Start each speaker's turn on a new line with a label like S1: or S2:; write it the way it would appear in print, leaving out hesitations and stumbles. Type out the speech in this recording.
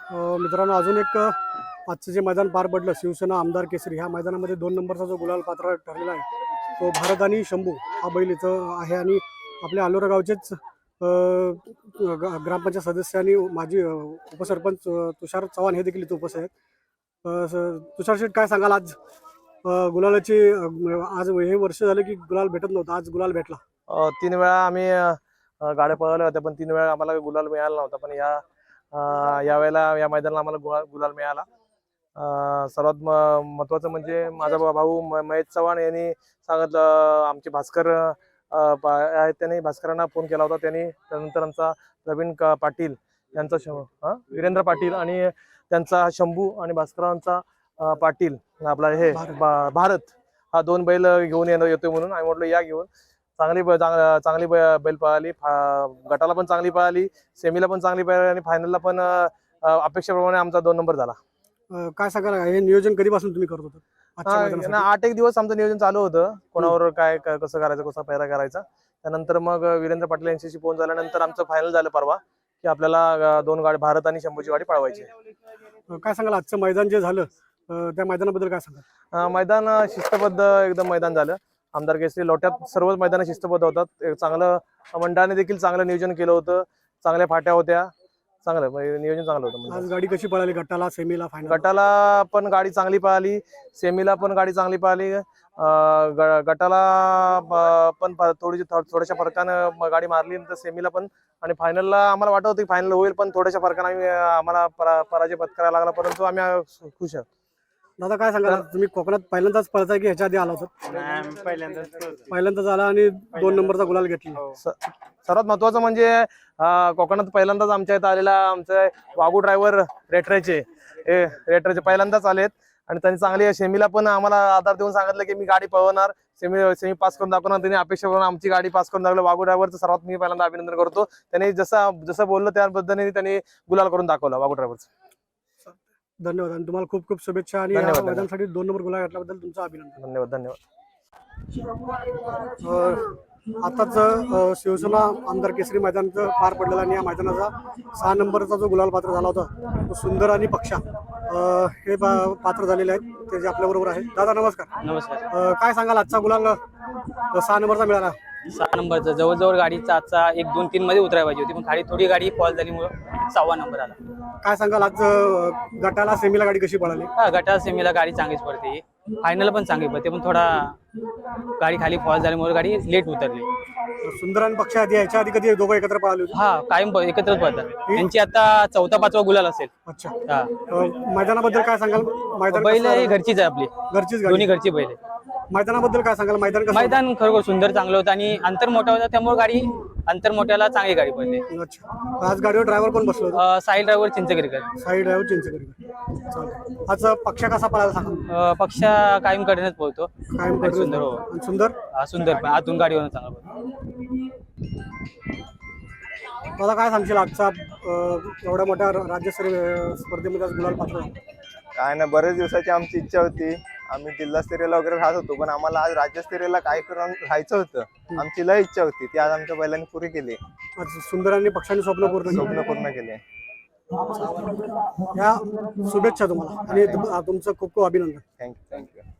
S1: मित्रांनो अजून एक आजचं जे मैदान पार पडलं शिवसेना आमदार केसरी ह्या मैदानामध्ये 2 नंबरचा जो गुलाल पात्र ठरलेला आहे तो भारत आणि शंभू हा बैल इथं आहे आणि आपल्या अलोरा गावचेच ग्रामपंचायत सदस्य आणि माजी उपसरपंच तुषार चव्हाण हे देखील इथं उपस्थित आहेत. तुषार शेठ काय सांगाल आज गुलालाची आज हे वर्ष झालं की गुलाल भेटत नव्हता, आज गुलाल भेटला.
S2: 3 वेळा आम्ही गाड्या पळवल्या होत्या पण 3 वेळा आम्हाला गुलाल मिळाला नव्हता. पण या वेळेला या मैदानाला आम्हाला गुलाल मिळाला. सर्वात महत्वाचं म्हणजे माझा भाऊ महेश चव्हाण यांनी सांगितलं, आमचे भास्कर आहेत त्यांनी भास्करांना फोन केला होता. त्यांनी त्यानंतर आमचा प्रवीण पाटील यांचा वीरेंद्र पाटील आणि त्यांचा शंभू आणि भास्करांचा पाटील आपला हे भारत हा 2 बैल घेऊन येतो म्हणून आम्ही म्हटलं या घेऊन. चांगली बैल पळाली, गटाला पण चांगली पळाली, सेमीला पण चांगली पळाली आणि फायनलला पण अपेक्षेप्रमाणे आमचा 2 नंबर झाला.
S1: काय सांगाल हे नियोजन कधीपासून तुम्ही करत होता?
S2: 8 एक दिवस आमचं नियोजन चालू होतं, कोणावर काय कसं करायचं, कसा पैरा करायचा. त्यानंतर मग वीरेंद्र पाटील यांच्याशी फोन झाल्यानंतर आमचं फायनल झालं परवा की आपल्याला 2 गाडी भारत आणि शंभूची गाडी पळवायची.
S1: काय सांगाल आजचं मैदान जे झालं त्या मैदानाबद्दल काय सांगाल?
S2: मैदान शिस्तबद्ध एकदम मैदान झालं. आमदार केसरी लोट्यात सर्वच मैदान शिस्तबद्ध होतात. चांगलं मंडळाने देखील चांगलं नियोजन केलं होतं, चांगल्या फाट्या होत्या, चांगलं नियोजन चांगलं होतं.
S1: आज गाडी कशी पळाली गटाला, सेमीला, फायनल?
S2: गटाला पण गाडी चांगली पळाली, सेमीला पण गाडी चांगली पळाली, गटाला पण थोड्याशा फरकानं गाडी मारली, तर सेमीला पण. आणि फायनलला आम्हाला वाटत होतं की फायनल होईल, पण थोड्याशा फरकानं आम्हाला पराजय पत्करायला लागला, परंतु आम्ही खुश आहोत.
S1: दादा काय सांगाल, तुम्ही कोकणात पहिल्यांदाच पळताय की ह्याच्या आधी आला होता? पहिल्यांदाच आला आणि 2 नंबरचा गुलाल घेतला.
S2: सर्वात महत्वाचं म्हणजे कोकणात पहिल्यांदाच आमच्या इथं आलेला आमचे वागू ड्रायव्हर रेटरेचे पहिल्यांदाच आलेत आणि त्यांनी चांगली सेमीला पण आम्हाला आधार देऊन सांगितलं की मी गाडी पळवणार, सेमी पास करून दाखवणार. त्यांनी अपेक्षा करून आमची गाडी पास करून दाखवलं. वागू ड्रायव्हरचं सर्वात मी पहिल्यांदा अभिनंदन करतो. त्यांनी जसं बोललं त्या पद्धतीने त्यांनी गुलाल करून दाखवला वागू ड्रायव्हरचं.
S1: धन्यवाद आणि तुम्हाला खूप खूप शुभेच्छा आणि मैदानासाठी 2 नंबर गुलाल घेतल्याबद्दल तुमचं अभिनंदन.
S2: धन्यवाद.
S1: आताच शिवसेना आमदार केसरी मैदान पार पडलेला आणि या मैदानाचा 6 नंबरचा जो गुलाल पात्र झाला होता तो सुंदर आणि पक्षा हे पात्र झालेले आहेत, ते जे आपल्या बरोबर आहेत. दादा नमस्कार.
S3: नमस्कार.
S1: काय सांगाल आजचा गुलाल 6 नंबरचा मिळाला?
S3: 6 नंबरचा जवळजवळ गाडीचा आजचा 1, 2, 3 मध्ये उतरायला पाहिजे होती, पण खाली थोडी गाडी फॉल झाल्यामुळे 6वा नंबर आला.
S1: काय सांगाल आज गटाला, सेमीला गाडी कशी पळाली?
S3: गटाला सेमीला गाडी चांगलीच पडते, फायनल पण चांगली पडते, पण थोडा गाडी खाली फॉल झाल्यामुळे गाडी लेट उतरली.
S1: सुंदर आणि पक्षा आधी याच्या आधी कधी दोघं एकत्र पळाले होते?
S3: कायम एकत्रच पडतात. त्यांची आता 4था 5वा गुलाल असेल.
S1: अच्छा. मैदानाबद्दल काय सांगाल? मैदान
S3: बैल ही घरचीच आहे, आपली
S1: घरचीच
S3: दोन्ही घरची बैल.
S1: मैदानाबद्दल काय सांगाल?
S3: मैदान खरोखर सुंदर चांगलं होतं आणि अंतर मोठा होता, त्यामुळे गाडी अंतर मोठ्याला चांगली गाडी पडली.
S1: अच्छा. आज गाडीवर ड्रायव्हर कोण बसलो होता?
S3: साई ड्रायव्हर चिंचगरीकर.
S1: साई ड्रायव्हर चिंचगरीकर. आज पक्षा कसा पळाला सांगा?
S3: पक्षा कायम कडेनच पोहतो,
S1: कायम
S3: सुंदर.
S1: सुंदर
S3: सुंदर पण आतून गाडीवर चांगला पडतो.
S1: मला काय सांगशील आजचा एवढ्या मोठ्या राज्यस्तरीय स्पर्धेमध्ये गुलाल पात्र?
S4: काय ना, बरेच दिवसाची आमची इच्छा होती. आम्ही जिल्हास्तरीयला वगैरे राहत होतो, पण आम्हाला आज राज्यस्तरीयला काय करून राहायचं होतं. आमची लय इच्छा होती, ती आज आमच्या बैलांनी पुरी केली.
S1: आज सुंदर आणि पक्षांनी स्वप्न पूर्ण
S4: केले.
S1: या शुभेच्छा तुम्हाला आणि तुमचं खूप खूप अभिनंदन.
S4: थँक्यू.